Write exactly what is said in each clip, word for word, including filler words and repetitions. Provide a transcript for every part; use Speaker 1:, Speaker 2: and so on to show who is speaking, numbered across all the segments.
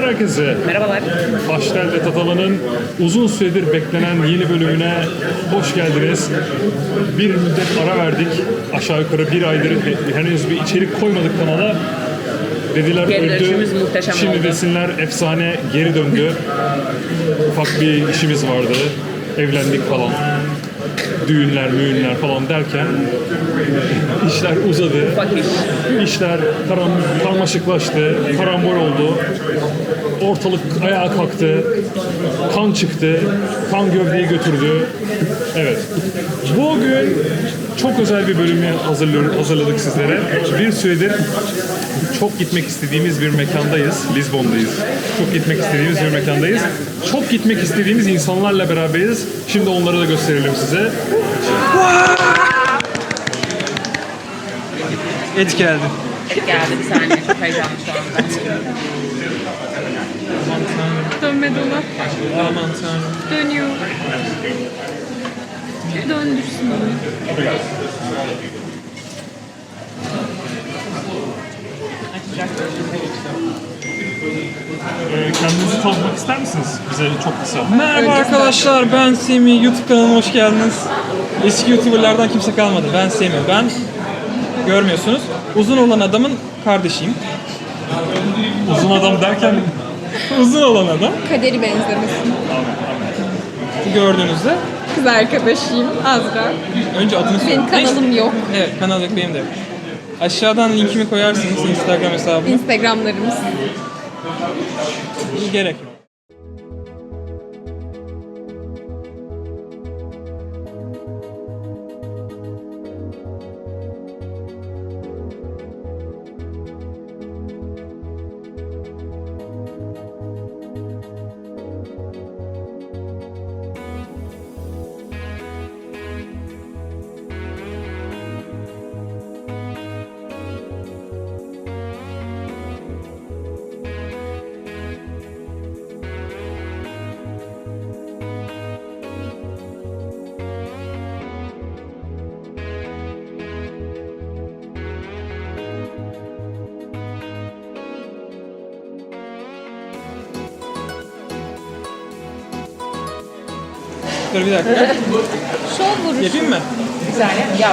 Speaker 1: herkese.
Speaker 2: Merhabalar.
Speaker 1: Baştel ve Tatava'nın uzun süredir beklenen yeni bölümüne hoş geldiniz. Bir müddet ara verdik. Aşağı yukarı bir aydır henüz bir içerik koymadık kanala. Dediler
Speaker 2: Geri
Speaker 1: öldü.
Speaker 2: dönüşümüz muhteşem
Speaker 1: Şimdi
Speaker 2: oldu.
Speaker 1: desinler efsane geri döndü. Ufak bir işimiz vardı. Evlendik falan. Düğünler, müğünler falan derken işler uzadı.
Speaker 2: Ufak iş.
Speaker 1: İşler karam, karmaşıklaştı, karambol oldu. Ortalık ayağa kalktı. Kan çıktı. Kan gövdeyi götürdü. Evet. Bugün çok özel bir bölümü hazırlıyor- hazırladık sizlere. Bir süredir çok gitmek istediğimiz bir mekandayız. Lizbon'dayız. Çok gitmek istediğimiz bir mekandayız. Çok gitmek istediğimiz insanlarla beraberiz. Şimdi onları da gösterelim size.
Speaker 3: Et geldi.
Speaker 2: Evet geldi bir saniye. Çok heyecanlı şu anda.
Speaker 4: Dönme dolap
Speaker 3: Aman tanrım.
Speaker 4: dönüyor. Döndürsün onu.
Speaker 1: Ee, kendinizi tanıtmak ister misiniz? Bize çok kısa.
Speaker 3: Merhaba arkadaşlar, ben Semih. YouTube kanalıma hoş geldiniz. Eski YouTuber'lardan kimse kalmadı. Ben Semih. Ben görmüyorsunuz. Uzun olan adamın kardeşiyim.
Speaker 1: Uzun adam derken
Speaker 3: Uzun olan adam.
Speaker 4: Kaderi benzemesin.
Speaker 3: Gördüğünüzde.
Speaker 4: Kız arkadaşıyım Azra.
Speaker 3: Önce adını söyle.
Speaker 4: Benim kanalım yok.
Speaker 3: Evet, kanal yok, benim de yok. Aşağıdan linkimi koyarsınız, Instagram hesabımı.
Speaker 4: Instagramlarımız.
Speaker 3: Gerek yok. Dur bir dakika.
Speaker 4: Şov vuruşu.
Speaker 3: Yapayım mı?
Speaker 2: Bir saniye. Yap.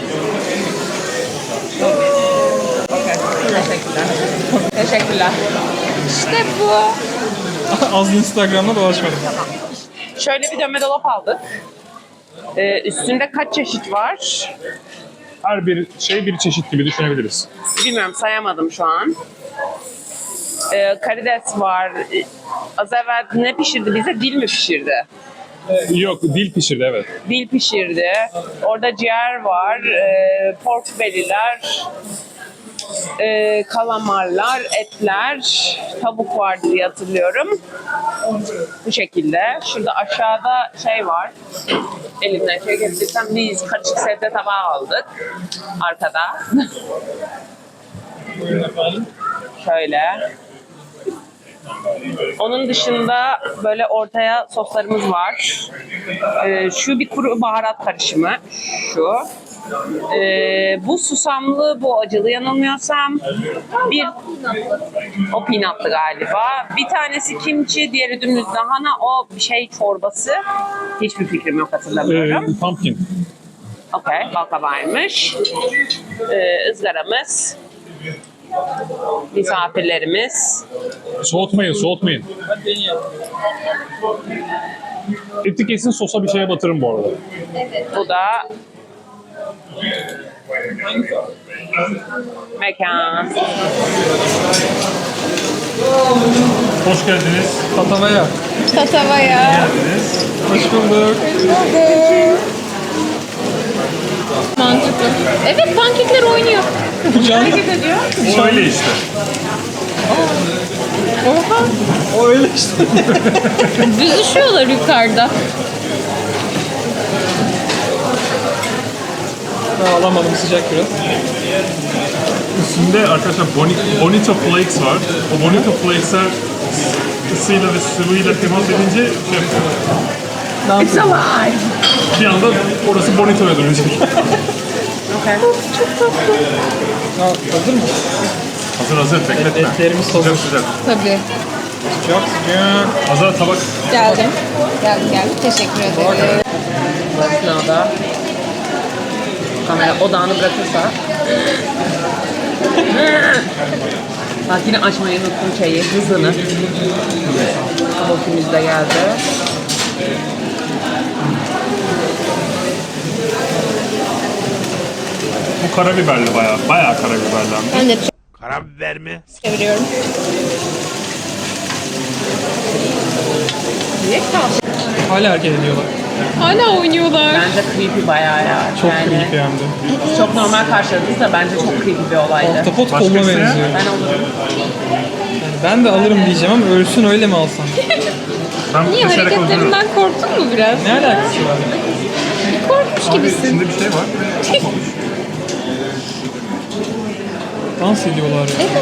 Speaker 2: Okey. Teşekkürler. Teşekkürler.
Speaker 4: İşte bu.
Speaker 3: Az Instagram'da dolaşmadım.
Speaker 2: Şöyle bir dönme dolap aldık. Ee, üstünde kaç çeşit var?
Speaker 1: her bir şey bir çeşit gibi düşünebiliriz.
Speaker 2: Bilmiyorum, sayamadım şu an. Ee, karides var. Ee, Az evvel ne pişirdi bize? Dil mi pişirdi?
Speaker 1: Yok, dil pişirdi evet.
Speaker 2: Dil pişirdi. Orada ciğer var. E, pork belly'ler. E, kalamarlar, etler. Tavuk vardı diye hatırlıyorum. Bu şekilde. Şurada aşağıda şey var. Elimden şey getirsem biz karışık sebze tabağı aldık. Arkada. Şöyle. Onun dışında böyle ortaya soslarımız var. Ee, şu bir kuru baharat karışımı. Şu. Ee, bu susamlı, bu acılı yanılmıyorsam. Bir o peanutlı galiba. Bir tanesi kimchi, diğeri dümdüz lahana. O bir şey çorbası. Hiçbir fikrim yok, hatırlamıyorum.
Speaker 1: Ee, pumpkin.
Speaker 2: Okey, balkabağıymış. Ee, ızgaramız. Misafirlerimiz.
Speaker 1: Soğutmayın, soğutmayın. Eti kesin sosa bir şeye batırın bu arada.
Speaker 2: Bu da mekan.
Speaker 1: Hoş geldiniz.
Speaker 3: Tatavaya.
Speaker 4: Tatavaya.
Speaker 1: Geldiniz.
Speaker 3: Hoş bulduk.
Speaker 4: Mantıklı. Evet, pankekler oynuyor.
Speaker 3: Can.
Speaker 2: ediyor.
Speaker 1: O öyle işte.
Speaker 4: Oha.
Speaker 3: O öyle işte.
Speaker 4: Büzüşüyorlar yukarıda.
Speaker 3: Ben alamadım, sıcak biraz.
Speaker 1: Üstünde arkadaşlar boni- Bonito Flakes var. O Bonito Flakes'ler ısıyla ve sıvıyla temas edince şey yapıyor.
Speaker 2: It's alive.
Speaker 1: Bir anda orası Bonito'ya dönecek.
Speaker 2: Okay.
Speaker 3: Ha, hazır mı?
Speaker 1: Hazır hazır bekletme.
Speaker 3: Etlerimiz hazır.
Speaker 1: Sıcak sıcak.
Speaker 4: Tabii.
Speaker 3: Çok sıcak.
Speaker 1: Azar tabak.
Speaker 4: Geldim. Geldim geldim. Teşekkür ederim.
Speaker 2: Bu esnada kamera odağını bırakırsa. Bak yine açmayı unuttum şeyi, hızını. Kabukimiz de geldi.
Speaker 1: Bu karabiberli bayağı. Bayağı karabiberli.
Speaker 4: Ben de
Speaker 5: Karabiber mi?
Speaker 4: çeviriyorum.
Speaker 2: Niye kaldı?
Speaker 3: Hala hareket ediyorlar.
Speaker 4: Hala oynuyorlar.
Speaker 2: Bence creepy bayağı ya.
Speaker 3: Çok
Speaker 2: yani,
Speaker 3: creepy hem de.
Speaker 2: Çok normal karşıladınız da bence çok creepy bir olaydı.
Speaker 3: Ahtapot
Speaker 1: Başka
Speaker 3: koluna
Speaker 1: isteyen?
Speaker 3: benziyor.
Speaker 2: Ben olurum.
Speaker 3: Yani ben de alırım diyeceğim ama ölsün öyle mi alsam?
Speaker 1: Ben
Speaker 4: Niye
Speaker 1: keserek öldürürüm.
Speaker 4: hareketlerinden korktun mu biraz?
Speaker 3: Ne alakası var?
Speaker 4: Bir korkmuş
Speaker 1: Abi
Speaker 4: gibisin.
Speaker 1: içinde bir şey var. Olmamış.
Speaker 3: Dans ediyorlar ya.
Speaker 4: Evet.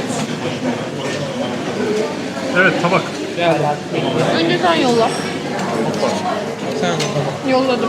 Speaker 1: Evet tabak.
Speaker 4: Önce sen yolla.
Speaker 3: Sen de tamam.
Speaker 4: Yolladım.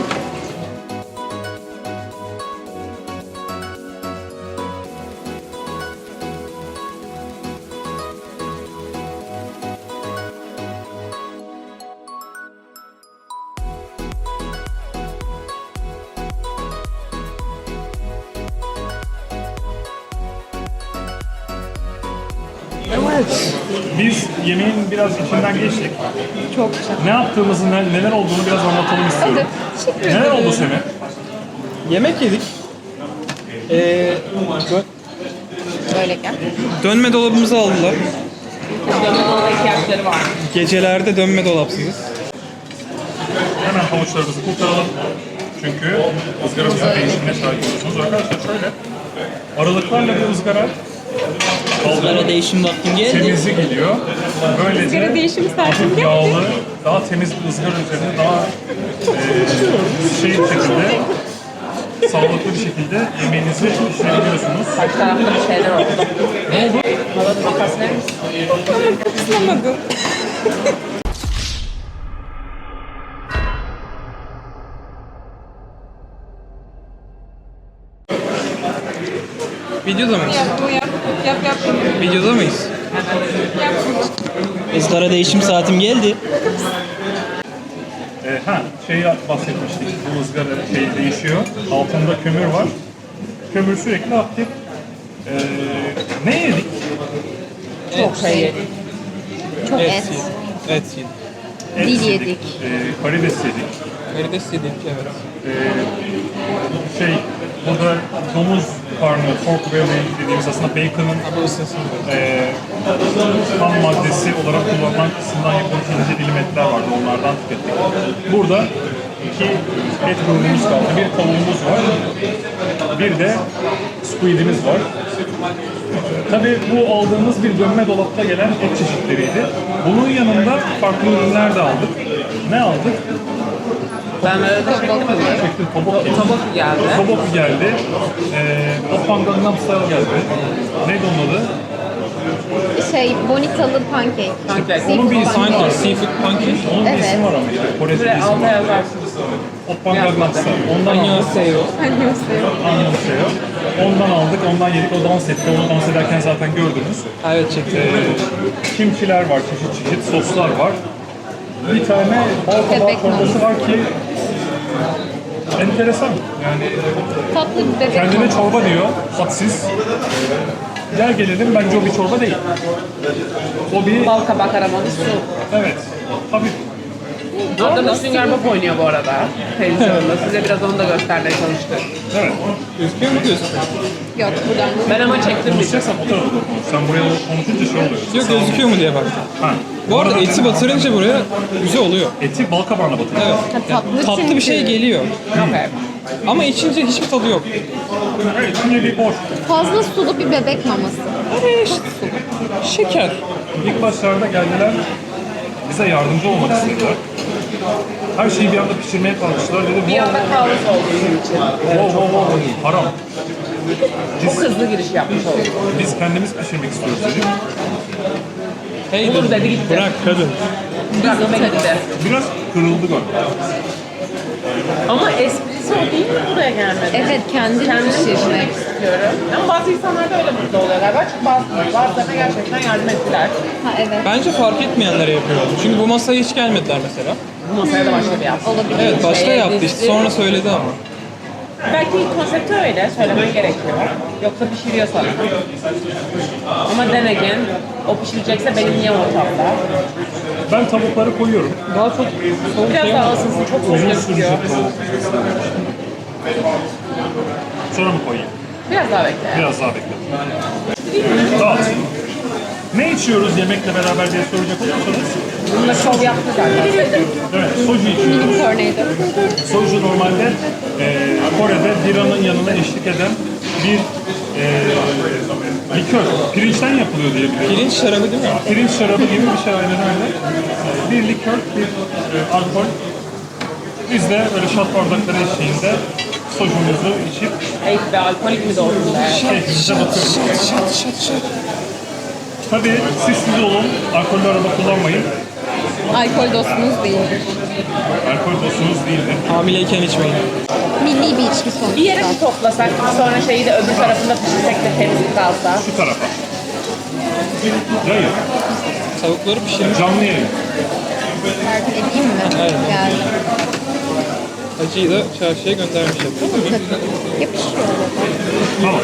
Speaker 1: Evet. Biz yemeğin biraz içinden geçtik.
Speaker 4: Çok güzel.
Speaker 1: Ne yaptığımızı, ne- neler olduğunu biraz anlatalım istiyorum.
Speaker 4: Teşekkür
Speaker 1: Neler
Speaker 4: ederim.
Speaker 1: oldu Semih?
Speaker 3: Yemek yedik. Ee, dö-
Speaker 4: Böyle gel.
Speaker 3: dönme dolabımızı aldılar.
Speaker 2: Yanına ihtiyaçları var.
Speaker 3: Gecelerde dönme dolapsızız.
Speaker 1: Hemen havuçlarımızı kurtaralım. Çünkü ızgaramızın değişimine şahit oluyorsunuz. Arkadaşlar şöyle aralıklarla bir ızgara
Speaker 6: Sigara değişim vaktim geldi.
Speaker 1: temizli geliyor. Böylece
Speaker 4: Sigara değişimi saatim
Speaker 1: hafif
Speaker 4: geldi.
Speaker 1: yağlı, daha temiz bir ızgara üzerinde daha e, şey bir şekilde sağlıklı bir şekilde yemeğinizi pişirebiliyorsunuz.
Speaker 2: Kaç tarafta bir şeyler oldu. Ne oldu? Bana makas verir misin?
Speaker 4: Kıslamadım.
Speaker 3: Videoda mıyız?
Speaker 4: Yap bu yap. Yap yap.
Speaker 3: Videoda mıyız?
Speaker 4: Yap.
Speaker 6: Sigara değişim saatim geldi.
Speaker 1: E, ha, şeyi bahsetmiştik. Bu ızgara şey değişiyor. Altında kömür var. Kömür sürekli aktif. E, ne yedik?
Speaker 2: Çok şey yedik.
Speaker 4: Çok
Speaker 3: Et
Speaker 4: et.
Speaker 3: yedik. Et yedik.
Speaker 1: Et
Speaker 4: Dil yedik.
Speaker 1: E, karides yedik.
Speaker 3: Karides yedik evet.
Speaker 1: E, şey, burada domuz karnı, pork belly dediğimiz aslında bacon'ın
Speaker 3: Bu ısınsın.
Speaker 1: e, ham maddesi olarak kullanılan kısımdan yapılmış ince dilim etler vardı. Onlardan tükettik. Burada iki et grubumuz kaldı. Bir tavuğumuz var. Bir de squidimiz var. Tabii bu aldığımız bir dönme dolapta gelen et çeşitleriydi. Bunun yanında farklı ürünler de aldık. Ne aldık?
Speaker 2: Ben böyle de çektim mi?
Speaker 1: Çektim, tobok yedik.
Speaker 2: Tabak geldi.
Speaker 1: Tobok geldi. Ee, Oppan Gangnam Style geldi. Neydi onun adı?
Speaker 4: Şey, bonitalı pankek.
Speaker 2: Pankek.
Speaker 1: Onun bir ismi var.
Speaker 3: Pancake, seafood pancake.
Speaker 1: Onun bir
Speaker 4: Evet.
Speaker 1: ismi var ama işte. Kore'de bir
Speaker 2: Buraya
Speaker 1: ismi
Speaker 2: alta
Speaker 1: var.
Speaker 2: yazarsınız.
Speaker 1: Oppan Gangnam Style. Ondan aldık.
Speaker 3: Annyeonghaseyo.
Speaker 1: Annyeonghaseyo. Ondan aldık, ondan yedik. O dans etti. Onu dans ederken zaten gördünüz.
Speaker 3: Evet çektim.
Speaker 1: Ee, kimchiler var, çeşit çeşit soslar var. Bir tane bal kabağı
Speaker 4: Bebek
Speaker 1: çorbası var ki enteresan. Yani
Speaker 4: Tatlı bir bebek.
Speaker 1: kendine çorba diyor, hadsiz. Gel gelelim, bence o bir çorba değil. O bir,
Speaker 2: Bal kabak aromalı su.
Speaker 1: evet, hafif.
Speaker 2: Orada Sünger Bob oynuyor bu arada. Televizyonda. Size biraz onu da göstermeye çalıştık.
Speaker 1: Evet.
Speaker 3: Gözüküyor mu diyorsun?
Speaker 4: Yok buradan.
Speaker 2: Ben ama çektim bir.
Speaker 1: Konuşacaksan o tarafa doğru. Sen buraya konuşunca şey oluyor.
Speaker 3: Yok gözüküyor mu diye baktım.
Speaker 1: Ha.
Speaker 3: Bu arada eti batırınca buraya güzel oluyor.
Speaker 1: Eti bal kabağına batırıyor.
Speaker 3: Evet.
Speaker 4: Ha, tatlı
Speaker 3: Tatlı bir şey
Speaker 4: çünkü.
Speaker 3: geliyor.
Speaker 2: Okay.
Speaker 3: Ama içince hiçbir tadı yok.
Speaker 1: Evet, şimdi bir boş.
Speaker 4: Fazla sulu bir bebek maması.
Speaker 3: Şeker.
Speaker 1: İlk başlarda geldiler, bize yardımcı olmak istediler. Her şeyi bir anda pişirmeye kalkıştılar. Dedim,
Speaker 2: Bir anda kaos oldu bizim için.
Speaker 1: wow, wow, wow, haram.
Speaker 2: Çok hızlı giriş yapmış olduk.
Speaker 1: Biz kendimiz pişirmek istiyoruz dedik.
Speaker 3: Hey
Speaker 2: Olur dedi gitti.
Speaker 3: Bırak kadın.
Speaker 2: Bırak ve gitti.
Speaker 1: Biraz kırıldı galiba.
Speaker 2: Ama esprisi o değil mi buraya gelmedi?
Speaker 4: Evet, kendini
Speaker 2: Kendim
Speaker 4: pişirmek.
Speaker 2: pişirmek istiyorum. Ama bazı insanlar da öyle mutlu oluyor galiba. Çünkü bazı, bazılarına gerçekten yardım ettiler.
Speaker 4: Ha evet.
Speaker 3: Bence fark etmeyenlere yapıyordu. Çünkü bu masaya hiç gelmediler mesela.
Speaker 2: Bu masaya da başka bir yaptı.
Speaker 4: Olabilir.
Speaker 3: Evet başta
Speaker 2: Şeye
Speaker 3: yaptı işte
Speaker 2: dizdi.
Speaker 3: sonra söyledi ama.
Speaker 2: Belki konsepti öyle, söylemen gerekiyor. Yoksa pişiriyor sana. Ama then again, o pişirecekse benim niye ortamda?
Speaker 1: Ben tavukları koyuyorum.
Speaker 3: Daha çok soğuk
Speaker 2: Biraz
Speaker 3: şey
Speaker 2: daha
Speaker 3: ama.
Speaker 2: ısınsın, çok soğuk
Speaker 1: Uzun
Speaker 2: gözüküyor.
Speaker 1: sürecek. Sonra mı koyayım?
Speaker 2: Biraz daha bekle.
Speaker 1: Biraz daha bekle. Dağıt. Ne içiyoruz yemekle beraber diye soracak olursanız.
Speaker 2: Bununla şov yaptı zaten.
Speaker 1: Evet, soju içiyoruz.
Speaker 4: Tornado.
Speaker 1: Soju normalde e, Kore'de biranın yanına eşlik eden bir e, likör. Pirinçten yapılıyor diye biliyorum.
Speaker 3: Pirinç şarabı değil mi?
Speaker 1: Pirinç şarabı gibi bir şey aynen öyle. E, Bir likör, bir e, alkol. Biz de böyle şat bardakları eşliğinde sojumuzu içip
Speaker 2: Ey be, alkolik mi doğdun be?
Speaker 1: keyfimize batıyoruz. Tabii siz siz olun, alkollü araba kullanmayın.
Speaker 4: Alkol dostunuz değildir.
Speaker 1: Alkol dostunuz değildir.
Speaker 3: Hamileyken içmeyin.
Speaker 4: Milli bir içki sonuçta.
Speaker 2: Bir yere mi toplasak, sonra şeyi de öbür tarafında pişirsek de temiz kalsa?
Speaker 1: Şu tarafa. Hayır,
Speaker 3: Tavukları pişirmiş.
Speaker 1: canlı yayın.
Speaker 4: Tarif edeyim mi?
Speaker 3: Evet.
Speaker 4: Geldi.
Speaker 3: Acıyı da çarşıya göndermiş.
Speaker 4: Yapışıyor.
Speaker 1: Tamam.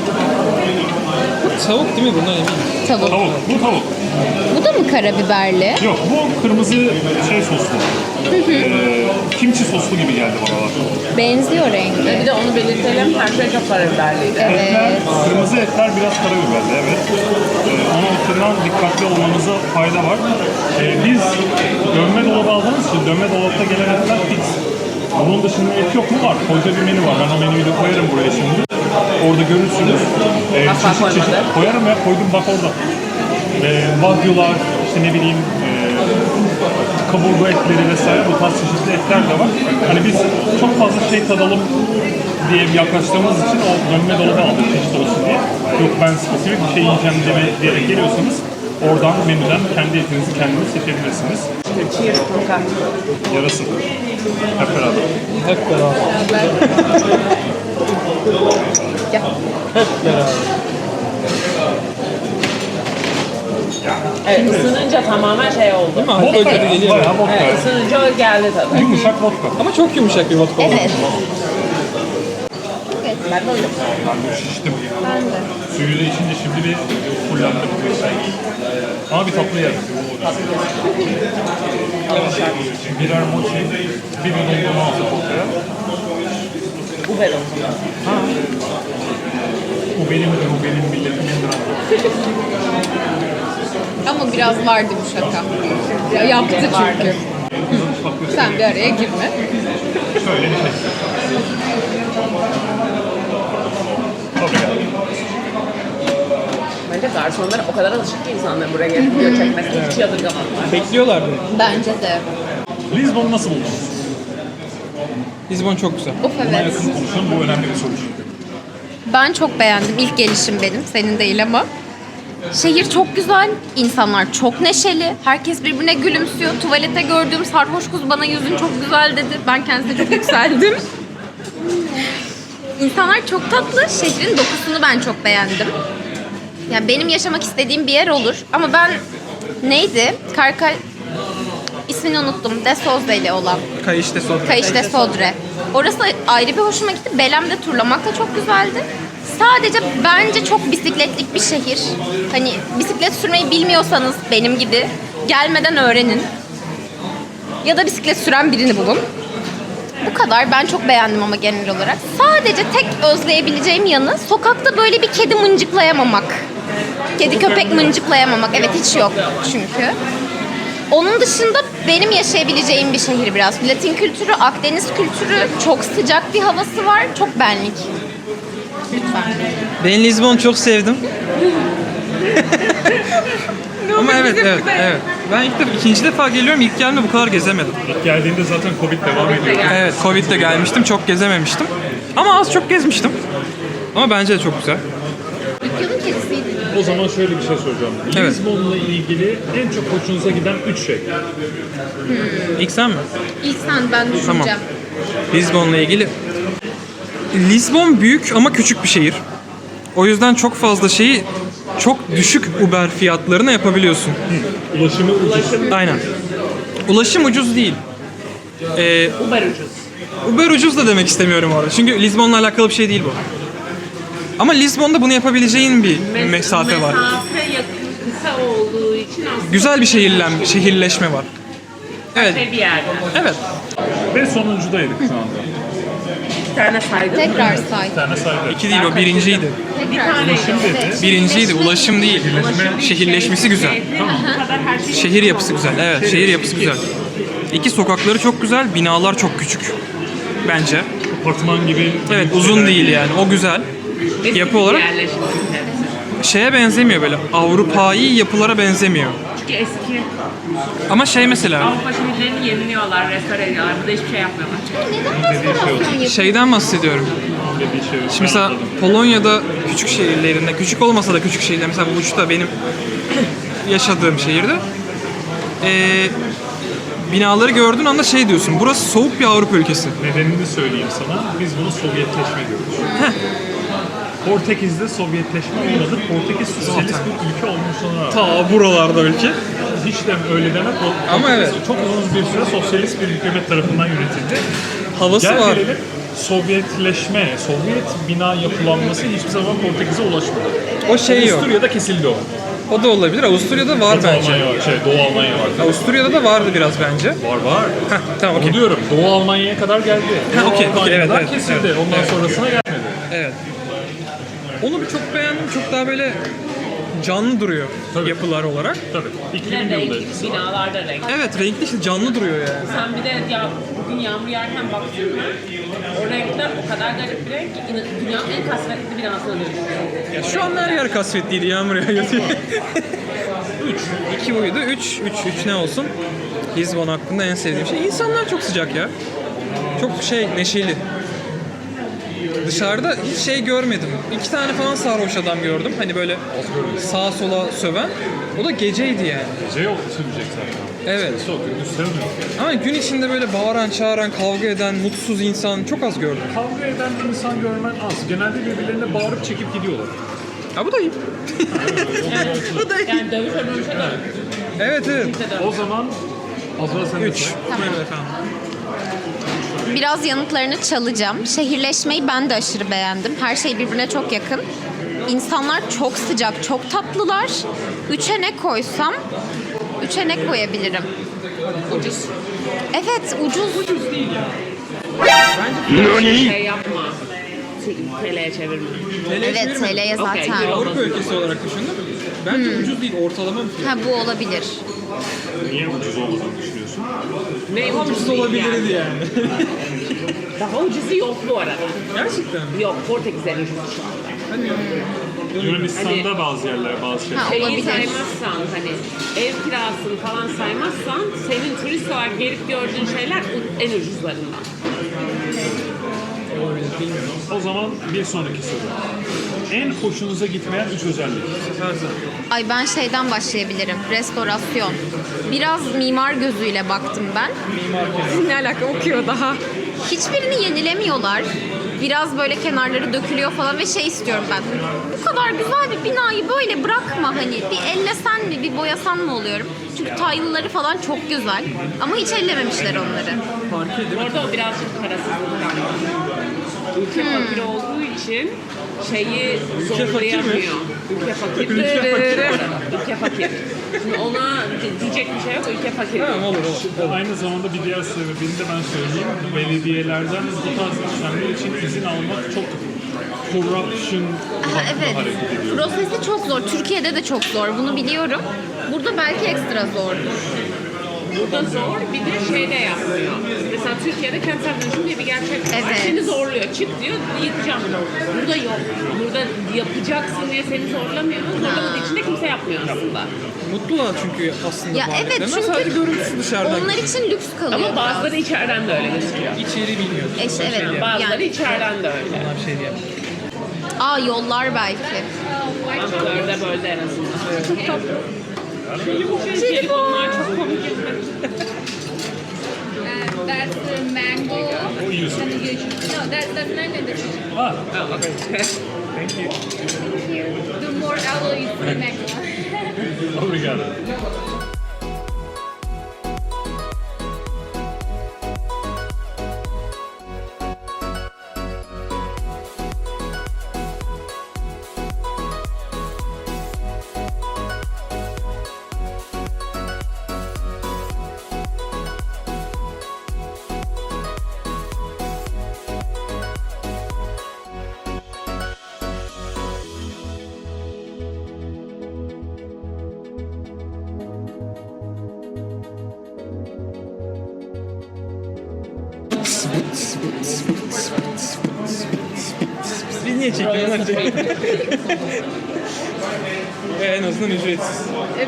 Speaker 3: Tavuk değil mi? Bundan eminim.
Speaker 4: Tavuk.
Speaker 1: Tavuk, bu tavuk.
Speaker 4: Bu da mı karabiberli?
Speaker 1: Yok, bu kırmızı şey soslu. ee, kimchi soslu gibi geldi bana.
Speaker 4: Benziyor rengi.
Speaker 2: Bir de onu belirtelim, her şey çok karabiberliydi.
Speaker 1: Etler,
Speaker 4: Evet.
Speaker 1: kırmızı etler biraz karabiberli, evet. Ee, onun bakımdan dikkatli olmanıza fayda var. Ee, biz dönme dolabı aldığımız için dönme dolapta gelen etler fix. Bunun dışında et yok mu? Var. Koca bir menü var. Ben o menüyü de koyarım buraya şimdi. Orada görürsünüz. Ee,
Speaker 2: Asla
Speaker 1: çeşit çeşit
Speaker 2: koymadı.
Speaker 1: koyarım ya, koydum bak orada. Ee, Wagyu'lar, işte ne bileyim, e, kaburga etleri vesaire, bu tarz çeşitli etler de var. Hani biz çok fazla şey tadalım diye yaklaştığımız için o dönme dolabı aldık çeşit olsun diye. Yok ben spesifik bir şey yiyeceğim deme, diyerek geliyorsanız oradan menüden kendi etinizi kendiniz seçebilirsiniz.
Speaker 2: Cheers kanka.
Speaker 1: Yarasın. Hep beraber.
Speaker 3: Hep beraber.
Speaker 2: Evet, ısınınca tamamen şey oldu.
Speaker 3: Değil mi? Alkol
Speaker 1: Vodka
Speaker 3: tadı
Speaker 1: ya,
Speaker 3: geliyor.
Speaker 1: bayağı vodka.
Speaker 2: Evet, ısınınca o geldi tabii.
Speaker 1: Yumuşak vodka.
Speaker 3: Ama çok yumuşak bir vodka oldu.
Speaker 4: Evet.
Speaker 2: Ben de öyle.
Speaker 1: Ben de şiştim.
Speaker 4: Ben de.
Speaker 1: Suyu da içince şimdi bir fullendim. Ama bir tatlı yerim. Birer mochi, bir bidon dondurma aldık ortaya.
Speaker 2: Bu ben olsun.
Speaker 1: Bu benimdir, bu benim milletimindir.
Speaker 4: Ama biraz vardı bu şaka. Ya, yaptı çünkü. Sen bir araya girme.
Speaker 1: Şöyle bir şey. Tabii yani.
Speaker 2: Bence garsonlar o kadar alışık ki insanlar buraya gelip video çekmesine hiç yadırgamadılar.
Speaker 3: Bekliyorlardı.
Speaker 4: Bence de.
Speaker 1: Lizbon'u nasıl buldunuz?
Speaker 3: Lizbon çok güzel.
Speaker 4: Of
Speaker 1: Buna
Speaker 4: evet.
Speaker 1: yakın konuşalım, bu önemli bir soru çünkü.
Speaker 4: Ben çok beğendim. İlk gelişim benim. Senin değil ama. Şehir çok güzel. İnsanlar çok neşeli. Herkes birbirine gülümsüyor. Tuvalete gördüğüm sarhoş kız bana yüzün çok güzel dedi. Ben kendisine çok yükseldim. İnsanlar çok tatlı. Şehrin dokusunu ben çok beğendim. Yani benim yaşamak istediğim bir yer olur. Ama ben neydi? Karkay... İsmini unuttum. De Sozdeli olan.
Speaker 3: Kayışte soda.
Speaker 4: Kayışte Sodre. Orası ayrı bir hoşuma gitti. Belem'de turlamak da çok güzeldi. Sadece bence çok bisikletlik bir şehir. Hani bisiklet sürmeyi bilmiyorsanız benim gibi gelmeden öğrenin. Ya da bisiklet süren birini bulun. Bu kadar. Ben çok beğendim ama genel olarak. Sadece tek özleyebileceğim yanı sokakta böyle bir kedi mıncıklayamamak. Kedi köpek mıncıklayamamak. Evet hiç yok çünkü. Onun dışında benim yaşayabileceğim bir şehir biraz. Latin kültürü, Akdeniz kültürü, çok sıcak bir havası var. Çok benlik. Lütfen.
Speaker 3: Ben Lizbon'u çok sevdim. Ama evet, evet, evet. Ben ilk defa, ikinci defa geliyorum. İlk geldiğimde bu kadar gezemedim.
Speaker 1: İlk geldiğinde zaten Covid devam ediyor.
Speaker 3: Evet, Covid'de gelmiştim. Çok gezememiştim. Ama az çok gezmiştim. Ama bence de çok güzel.
Speaker 4: Dükkanın kedisiydi.
Speaker 1: O zaman şöyle bir şey soracağım.
Speaker 3: Evet.
Speaker 1: Lizbon'la ilgili en çok hoşunuza giden üç şey.
Speaker 3: İlk sen mi?
Speaker 4: İlk sen ben düşüneceğim.
Speaker 3: Tamam. Lizbon'la ilgili Lisbon büyük ama küçük bir şehir. O yüzden çok fazla şeyi çok düşük Uber fiyatlarına yapabiliyorsun.
Speaker 1: Ulaşımı ucuz.
Speaker 3: Aynen. Ulaşım ucuz değil. Ee,
Speaker 2: Uber ucuz.
Speaker 3: Uber ucuz da demek istemiyorum orada. Çünkü Lisbon'la alakalı bir şey değil bu. Ama Lisbon'da bunu yapabileceğin bir
Speaker 2: Mes-
Speaker 3: mesafe var.
Speaker 2: Mesafe yakın, kısa olduğu için aslında
Speaker 3: Güzel bir şehirlen, şehirleşme var. Evet.
Speaker 2: bir yerde.
Speaker 3: Evet.
Speaker 1: Ve sonuncudaydık şu anda.
Speaker 2: Bir tane saydım.
Speaker 4: Tekrar say.
Speaker 1: Bir tane saydı.
Speaker 3: İki değil o birinciydi.
Speaker 2: Bir taneydi.
Speaker 4: Evet.
Speaker 3: Birinciydi. Ulaşım değil. Şehirleşmesi güzel.
Speaker 2: Tamam. Bu kadar her şey.
Speaker 3: Şehir yapısı güzel. Evet, şehir yapısı güzel. İki sokakları çok güzel, binalar çok küçük. Bence.
Speaker 1: Apartman gibi.
Speaker 3: Evet, uzun değil yani. O güzel.
Speaker 2: Eski
Speaker 3: Yapı olarak
Speaker 2: yerleşim hepsi.
Speaker 3: şeye benzemiyor böyle. Avrupa'yı yapılara benzemiyor.
Speaker 2: Çünkü eski
Speaker 3: Ama şey mesela
Speaker 2: Avrupa şehirlerini yeniliyorlar, restore ediyorlar. Burada hiçbir şey yapmıyorlar.
Speaker 4: Neden restorasyon yapıyorsun?
Speaker 3: şeyden bahsediyorum.
Speaker 1: Dediği şey.
Speaker 3: Şimdi mesela Polonya'da küçük şehirlerinde, küçük olmasa da küçük şehirler, mesela Łódź'da benim yaşadığım şehirde ee, binaları gördüğün anda şey diyorsun, burası soğuk bir Avrupa ülkesi.
Speaker 1: Nedenini söyleyeyim sana. Biz buna Sovyetleşme diyoruz. Portekiz'de Sovyetleşme olmadı. Portekiz sosyalist bir ülke olmuşluğuna rağmen.
Speaker 3: Ta buralarda ülke.
Speaker 1: Hiç de öyle demek. O-
Speaker 3: Ama evet.
Speaker 1: Çok uzun bir süre sosyalist bir hükümet tarafından yönetildi.
Speaker 3: Havası
Speaker 1: Gel
Speaker 3: var.
Speaker 1: gelelim Sovyetleşme, Sovyet bina yapılanması hiçbir zaman Portekiz'e ulaşmadı.
Speaker 3: O şey yok.
Speaker 1: Avusturya'da kesildi o.
Speaker 3: O da olabilir. Avusturya'da var
Speaker 1: Batı
Speaker 3: bence.
Speaker 1: Almanya var, şey Doğu Almanya var.
Speaker 3: Avusturya'da da vardı biraz bence.
Speaker 1: Var var.
Speaker 3: Heh, tamam
Speaker 1: Onu
Speaker 3: okey.
Speaker 1: diyorum. Doğu Almanya'ya kadar geldi.
Speaker 3: Ha,
Speaker 1: Doğu
Speaker 3: okey, okey,
Speaker 1: Almanya'dan
Speaker 3: evet, evet,
Speaker 1: kesildi.
Speaker 3: evet.
Speaker 1: Ondan
Speaker 3: Evet.
Speaker 1: sonrasına gelmedi.
Speaker 3: Evet. Onu bir çok beğendim. Çok daha böyle canlı duruyor
Speaker 1: Tabii.
Speaker 3: yapılar olarak.
Speaker 1: Tabii. iki
Speaker 2: Bir de
Speaker 1: bin yılda
Speaker 2: renkli,
Speaker 1: etkisi var.
Speaker 2: binalar da renkli.
Speaker 3: Evet, renkli işte canlı duruyor yani.
Speaker 2: Sen bir de ya bugün yağmur yağarken baktın mı? O renkler o kadar garip bir renk ki in- dünyanın en kasvetli binasına dönüşüyor.
Speaker 3: Ya şu an her yer kasvetliydi, yağmur yağıyor diye. Üç. İki buydu. Üç. Üç. Üç ne olsun? Lisbon hakkında en sevdiğim şey. İnsanlar çok sıcak ya. Çok şey, neşeli. Dışarıda hiç şey görmedim. İki tane falan sarhoş adam gördüm. Hani böyle sağa sola söven. O da geceydi yani.
Speaker 1: Gece yok sürmeyecek zaten.
Speaker 3: Evet.
Speaker 1: Çok gündüz sevmiyorum.
Speaker 3: Ama gün içinde böyle bağıran, çağıran, kavga eden, mutsuz insan çok az gördüm.
Speaker 1: Kavga eden insan görmen az. Genelde birbirlerine bağırıp çekip gidiyorlar.
Speaker 3: Ha bu da iyi. bu da iyi.
Speaker 2: Yani dövüşe dövüşe de
Speaker 3: Evet evet.
Speaker 1: O zaman Azra sen de
Speaker 3: Üç.
Speaker 1: say.
Speaker 3: Buyurun efendim.
Speaker 4: Biraz yanıtlarını çalacağım. Şehirleşmeyi ben de aşırı beğendim. Her şey birbirine çok yakın. İnsanlar çok sıcak, çok tatlılar. Üçe ne koysam, üçe ne koyabilirim?
Speaker 2: ucuz.
Speaker 4: Evet, ucuz. Ucuz değil
Speaker 2: Şey yapma. T L'ye çevirme.
Speaker 4: Evet, T L'ye
Speaker 2: Okey,
Speaker 4: zaten.
Speaker 2: euro.
Speaker 3: Avrupa ülkesi olarak düşündüm. Bence ucuz değil, ortalama bir fiyat.
Speaker 4: Ha, bu olabilir.
Speaker 1: Niye ucuz olmadığını düşünüyorsun?
Speaker 2: Ne
Speaker 3: Ucuz olabilirdi yani.
Speaker 2: Daha ucuzu yok bu arada.
Speaker 3: Gerçekten mi?
Speaker 2: Yok, Portekiz'e ucuz şu anda.
Speaker 1: Yunanistan'da
Speaker 2: Hani-
Speaker 1: bazı yerler, bazı şeyler.
Speaker 4: Ha,
Speaker 2: Şeyi
Speaker 4: olabilir.
Speaker 2: saymazsan hani ev kirasını falan saymazsan senin turist olarak gelip gördüğün şeyler en ucuzlarından.
Speaker 1: O zaman bir sonraki soru. En hoşunuza gitmeyen üç özellik.
Speaker 4: Ay ben şeyden başlayabilirim. Restorasyon. Biraz mimar gözüyle baktım ben. Ne alaka okuyor daha. Hiçbirini yenilemiyorlar. Biraz böyle kenarları dökülüyor falan ve şey istiyorum ben. Bu kadar güzel bir binayı böyle bırakma hani. Bir ellesen mi, bir boyasan mı oluyorum. Çünkü taylıları falan çok güzel. Ama hiç ellememişler onları.
Speaker 2: Orada o birazcık parasızlık galiba. Ülke fakir olduğu için şeyi zorlayamıyor. Ülke fakir.
Speaker 3: Ülke fakir.
Speaker 2: Ülke fakir. Şimdi ona diyecek bir şey yok. Ülke fakir.
Speaker 3: Tamam olur olur.
Speaker 1: Aynı zamanda bir diğer sebebini de ben söyleyeyim. Belediyelerden bu tarz işlemler için izin almak çok corruption
Speaker 4: Aha, evet.
Speaker 1: hareket ediyor.
Speaker 4: Prosesi çok zor. Türkiye'de de çok zor. Bunu biliyorum. Burada belki ekstra zordur.
Speaker 2: Burada zor, bir de şey de yapmıyor. Mesela Türkiye'de kentsel dönüşüm diye bir gerçek var.
Speaker 4: Evet.
Speaker 2: Seni zorluyor. Çık diyor, yıkacağım. Burada yok. Burada yapacaksın diye seni zorlamıyor. Zorlamadığı için de kimse yapmıyor aslında.
Speaker 3: Mutlular çünkü aslında
Speaker 4: Ya
Speaker 3: bu
Speaker 4: evet,
Speaker 3: aletlerinden.
Speaker 4: çünkü
Speaker 3: Sadece görüntüsü dışarıdan.
Speaker 4: Onlar için lüks kalıyor.
Speaker 2: Ama bazıları içeriden de öyle gözüküyor.
Speaker 3: İçeri bilmiyoruz.
Speaker 4: E, işte, evet.
Speaker 2: Bazıları
Speaker 4: Yani.
Speaker 2: içeriden de öyle.
Speaker 3: Ona bir şey diyemem.
Speaker 4: Aa, yollar belki.
Speaker 2: Ama dörde bölde en azından. Çok tatlı. Jelibonlar çok komik.
Speaker 5: That's the mango.
Speaker 1: O iyi use it.
Speaker 4: No, that, that's not the chicken.
Speaker 1: Ah,
Speaker 2: Oh, okay.
Speaker 1: thank you.
Speaker 4: The more alloy is the next one.
Speaker 1: Obrigado.
Speaker 3: Biz niye çekiyoruz? Ve en azından ücretsiz.
Speaker 4: Evet.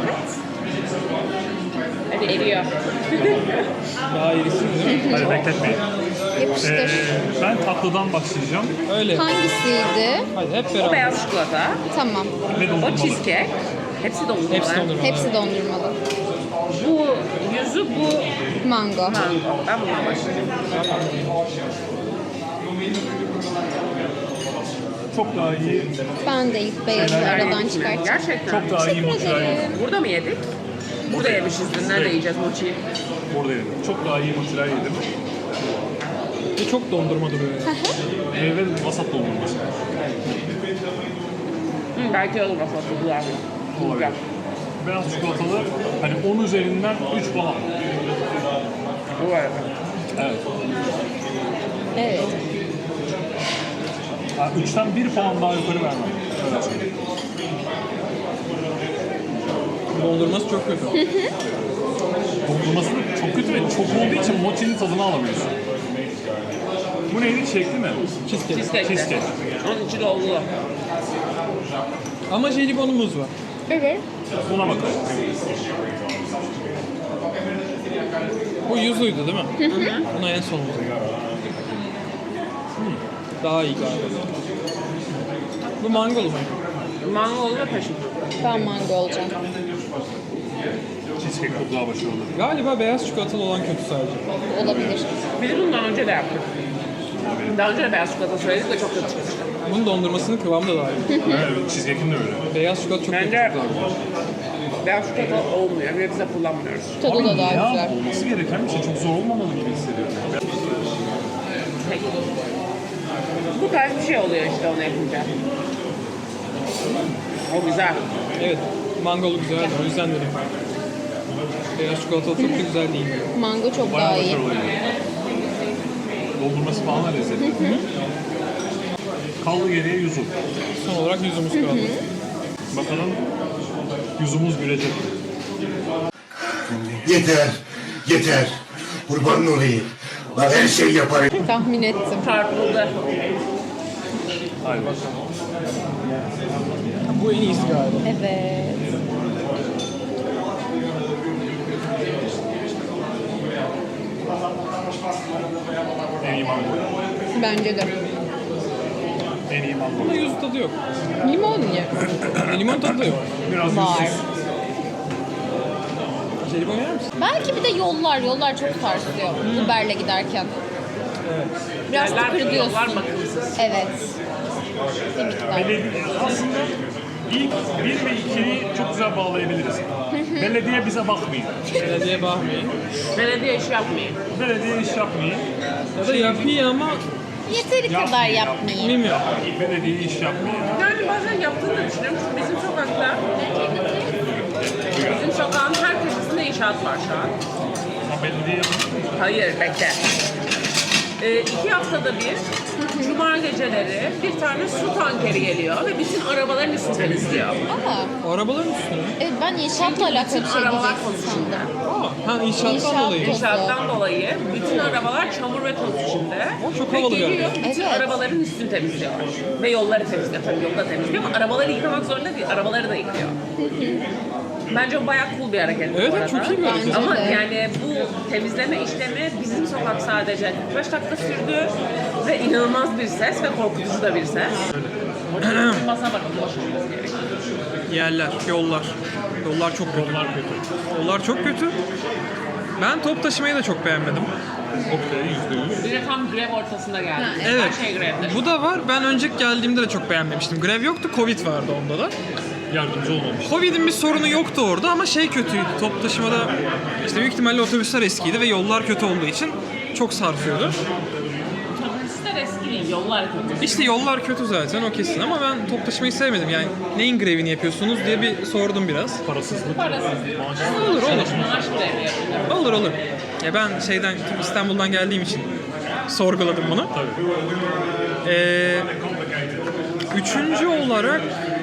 Speaker 2: Hadi eriyor.
Speaker 3: Daha iyisiniz değil mi?
Speaker 1: Hadi bekletmeyin.
Speaker 4: Yapıştır.
Speaker 1: Ee, ben tatlıdan başlayacağım.
Speaker 3: Öyle.
Speaker 4: Hangisiydi?
Speaker 3: Hadi hep
Speaker 2: O
Speaker 3: beraber.
Speaker 2: beyaz çikolata,
Speaker 4: Tamam.
Speaker 1: Ve
Speaker 2: o
Speaker 1: dondurmalı.
Speaker 2: cheesecake. Hepsi dondurmalı.
Speaker 3: Hepsi dondurma.
Speaker 4: Hepsi dondurmalı.
Speaker 2: Bu yüzü, bu
Speaker 4: Mango.
Speaker 2: mango. Ben bundan başlayacağım.
Speaker 1: Çok daha iyi,
Speaker 4: Ben de ilk beyazı aradan çıkartacağım.
Speaker 2: Gerçekten.
Speaker 1: çok daha iyi
Speaker 4: Teşekkür
Speaker 1: mozzarella.
Speaker 4: ederim.
Speaker 2: Burada mı yedik? Burada yemişiz dün. Nerede yiyeceğiz mochiyi?
Speaker 1: Buradayım. Çok daha iyi mozzarella yedim.
Speaker 3: Ve çok dondurma duruyor yani.
Speaker 1: Meyve vasat dondurması.
Speaker 2: Hı, belki olur aslında. Güzel. Güzel.
Speaker 1: Beyaz çikolatalı, hani on üzerinden üç falan.
Speaker 2: Bu arada.
Speaker 1: Evet.
Speaker 4: Evet.
Speaker 1: Ha, üçten bir puan daha yukarı vermem. Öyle söyleyeyim.
Speaker 3: Dondurması çok kötü.
Speaker 1: Dondurması çok kötü ve çok olduğu için mochinin tadını alamıyorsun. Bu neydi? Çilekli mi?
Speaker 3: Cheesecake.
Speaker 2: Cheesecake.
Speaker 1: Cheesecake.
Speaker 2: Onun içi dolgu.
Speaker 3: Ama jelibonumuz var.
Speaker 4: Evet.
Speaker 1: Buna bakalım.
Speaker 3: Bu yuzuydu değil mi? Hı hı. Buna en sonunda. Daha iyi galiba. Bu mangolu mu?
Speaker 2: Mangolu ve passion.
Speaker 4: Ben mango olacağım.
Speaker 1: Cheesecake çok daha başarılı.
Speaker 3: Galiba beyaz çikolatalı olan kötü sadece.
Speaker 4: Olabilir.
Speaker 2: Biz bundan önce de yaptık. Daha önce de beyaz çikolata söyledik ve çok kötü çıkmıştı.
Speaker 3: Bunun dondurmasının kıvamı da daha iyi.
Speaker 1: Evet, cheesecake'in de öyle.
Speaker 3: Beyaz çikolata çok kötü.
Speaker 2: Bence
Speaker 3: Çok daha iyi.
Speaker 2: beyaz çikolata olmuyor ve biz de kullanmıyoruz.
Speaker 4: Tadı da daha
Speaker 1: ya,
Speaker 4: güzel.
Speaker 1: olması gereken bir şey. Çok zor olmamalı gibi hissediyorum.
Speaker 2: Peki. Bu tarz bir şey oluyor işte onu yapınca. O güzel.
Speaker 3: Evet. Mangolu güzeldi. O yüzden dedim. Beyaz çikolatalı çok da güzel değil.
Speaker 4: Mango çok
Speaker 1: Bayağı
Speaker 4: daha iyi.
Speaker 1: başarılı. Dondurması falan da lezzetli. Kaldı geriye yuzu.
Speaker 3: Son olarak yüzümüz kaldı.
Speaker 1: Bakalım yüzümüz gülecek.
Speaker 5: Yeter, yeter. Kurban olayım. Bak her şey yaparım.
Speaker 4: Tahmin ettim.
Speaker 2: Çarpıldı.
Speaker 1: Haydi.
Speaker 3: Bu en iyisi galiba.
Speaker 4: Evet.
Speaker 1: En iyi mango.
Speaker 4: Bence de.
Speaker 1: En iyi mango.
Speaker 3: Ama yüz tadı yok.
Speaker 4: Limon ye.
Speaker 3: Limon tadı da yok.
Speaker 1: Biraz
Speaker 4: Var.
Speaker 1: yüzsüz.
Speaker 3: Jelibon yer misin?
Speaker 4: Belki bir de yollar. Yollar çok sarsıyor. Uber'le giderken. Biraz
Speaker 2: Yerler,
Speaker 4: tıkırdıyorsun.
Speaker 2: yollar bakımsız.
Speaker 4: Evet. Bir miktar.
Speaker 1: Belediye aslında ilk bir ve ikiyi çok güzel bağlayabiliriz. Belediye bize bakmayın.
Speaker 3: Belediye bakmayın.
Speaker 2: Belediye iş yapmayın.
Speaker 1: Belediye iş yapmayın.
Speaker 3: Ya da yapıyor ama
Speaker 4: Yeteri kadar yapmayayım.
Speaker 3: bilmiyorum.
Speaker 1: Belediye iş yapmayın.
Speaker 2: Yani bazen yaptığını da düşünüyorum çünkü bizim sokakta, bizim sokağın her köşesinde inşaat var şu an.
Speaker 1: Ama belediye
Speaker 2: Hayır, bekle. Ee, iki haftada bir, cuma geceleri bir tane su tankeri geliyor ve bütün arabaların üstünü temizliyor.
Speaker 4: Aa,
Speaker 3: Arabaların üstüne.
Speaker 4: evet ben inşaatla alakalı bir şey
Speaker 2: arabalar
Speaker 4: diyeceksin sandım.
Speaker 3: Aa, ha inşaattan
Speaker 4: İnşaat
Speaker 3: dolayı.
Speaker 4: tozu.
Speaker 2: İnşaattan dolayı bütün arabalar çamur ve toz içinde.
Speaker 3: O çok
Speaker 2: ve
Speaker 3: havalı
Speaker 2: geliyor,
Speaker 3: görünüyor.
Speaker 2: bütün
Speaker 4: Evet.
Speaker 2: arabaların üstünü temizliyorlar. Ve yolları temizliyor. Tabii yolu da temizliyor ama arabaları yıkamak zorunda değil, arabaları da yıkıyor. Bence o bayağı cool bir hareket bu
Speaker 3: Evet,
Speaker 2: arada.
Speaker 3: çok iyi bir hareket.
Speaker 4: Bence
Speaker 2: Ama
Speaker 4: de.
Speaker 2: yani bu temizleme işlemi bizim sokak sadece kırk beş dakika sürdü ve inanılmaz bir ses ve korkutucu da bir ses. Masa var, onu başlamamız gerekiyor.
Speaker 3: Yerler, yollar. Yollar çok kötü.
Speaker 1: yollar kötü.
Speaker 3: Yollar çok kötü. Ben top taşımayı da çok beğenmedim.
Speaker 1: Okey, yüzde yüz.
Speaker 2: Bir de tam grev ortasında geldi.
Speaker 3: Evet.
Speaker 2: Her şey grevde.
Speaker 3: Bu da var. Ben önceki geldiğimde de çok beğenmemiştim. Grev yoktu, Covid vardı onda da.
Speaker 1: Yardımcı olmamış.
Speaker 3: Covid'in bir sorunu yoktu orada ama şey kötüydü. Top taşımada işte büyük ihtimalle otobüsler eskiydi ve yollar kötü olduğu için çok sarsıyordu.
Speaker 2: Otobüsler eski değil, yollar kötü.
Speaker 3: İşte yollar kötü zaten o kesin ama ben top taşımayı sevmedim. Yani neyin grevini yapıyorsunuz diye bir sordum biraz.
Speaker 1: Parasızlık.
Speaker 3: Olur olur.
Speaker 2: Maaş grevi yapıyor.
Speaker 3: Olur olur. Ya ben şeyden İstanbul'dan geldiğim için sorguladım bunu.
Speaker 1: Tabii.
Speaker 3: Ee, üçüncü olarak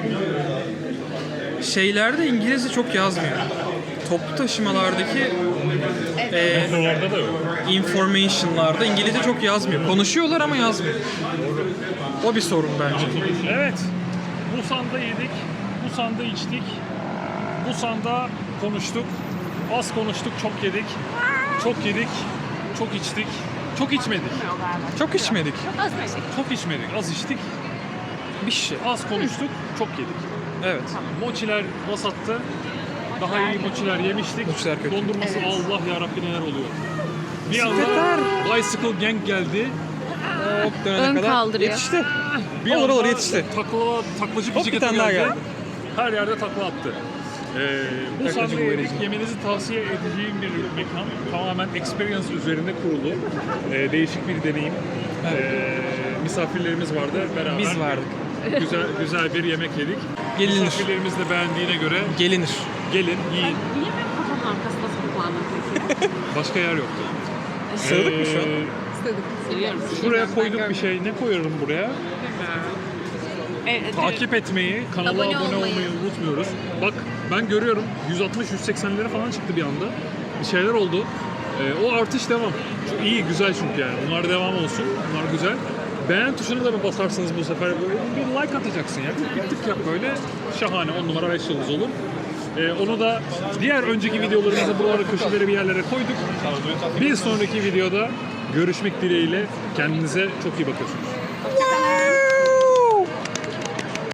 Speaker 3: şeylerde İngilizce çok yazmıyor. Toplu taşımalardaki e,
Speaker 1: Metrolarda da yok.
Speaker 3: information'larda İngilizce çok yazmıyor. Konuşuyorlar ama yazmıyor. O bir sorun bence.
Speaker 1: Evet. Busan'da yedik. Busan'da içtik. Busan'da konuştuk. Az konuştuk, çok yedik. Çok yedik, çok içtik. Çok içmedik.
Speaker 3: Çok içmedik.
Speaker 1: Çok içmedik, az içtik.
Speaker 3: Bir şey.
Speaker 1: Az konuştuk, çok yedik.
Speaker 3: Evet.
Speaker 1: Mochiler vasattı. Daha iyi mochiler yemiştik.
Speaker 3: Mochiler kötü.
Speaker 1: Dondurması Allah yarabbi neler oluyor. Bir
Speaker 3: Bisikletler.
Speaker 1: anda Bicycle Gang geldi.
Speaker 3: Hop dönene
Speaker 4: Ön
Speaker 3: kadar
Speaker 4: kaldırıyor.
Speaker 3: yetişti.
Speaker 1: Bir
Speaker 3: Olur,
Speaker 1: anda
Speaker 3: olur, yetişti.
Speaker 1: Takla, taklacı
Speaker 3: Hop, bir
Speaker 1: bisikleti
Speaker 3: tane daha
Speaker 1: geldi.
Speaker 3: geldi.
Speaker 1: Her yerde takla attı. Ee, bu
Speaker 3: Taklacı
Speaker 1: sahneyi
Speaker 3: güvercin.
Speaker 1: yemenizi tavsiye edeceğim bir mekan. Tamamen experience üzerinde kurulu. Ee, değişik bir deneyim. Ee, misafirlerimiz vardı. Beraber
Speaker 3: Biz vardık.
Speaker 1: güzel güzel bir yemek yedik.
Speaker 3: Gelinir.
Speaker 1: Misafirlerimiz de beğendiğine göre
Speaker 3: Gelinir.
Speaker 1: gelin, yiyin.
Speaker 2: Niye benim kafamın arkasında saklandın peki?
Speaker 1: Başka yer yoktu.
Speaker 3: Sığdık mı şu an?
Speaker 1: Ee,
Speaker 2: Seviyorum.
Speaker 1: Şuraya koyduk bir şey. Ne koyarım buraya?
Speaker 2: Evet,
Speaker 1: Takip etmeyi, kanala abone,
Speaker 4: Abone
Speaker 1: olmayı.
Speaker 4: olmayı.
Speaker 1: unutmuyoruz. Bak ben görüyorum yüz altmış yüz seksenlere falan çıktı bir anda. Bir şeyler oldu. Ee, o artış devam. Çok iyi, güzel çünkü yani. Bunlar devam olsun. Bunlar güzel. Beğen tuşuna da bir basarsınız bu sefer. Böyle bir like atacaksın ya. Bir tık yap böyle. Şahane. on numara beş yıldız olur. Ee, onu da diğer önceki videolarımızda buralara köşelere bir yerlere koyduk. Bir sonraki videoda görüşmek dileğiyle. Kendinize çok iyi bakıyorsunuz.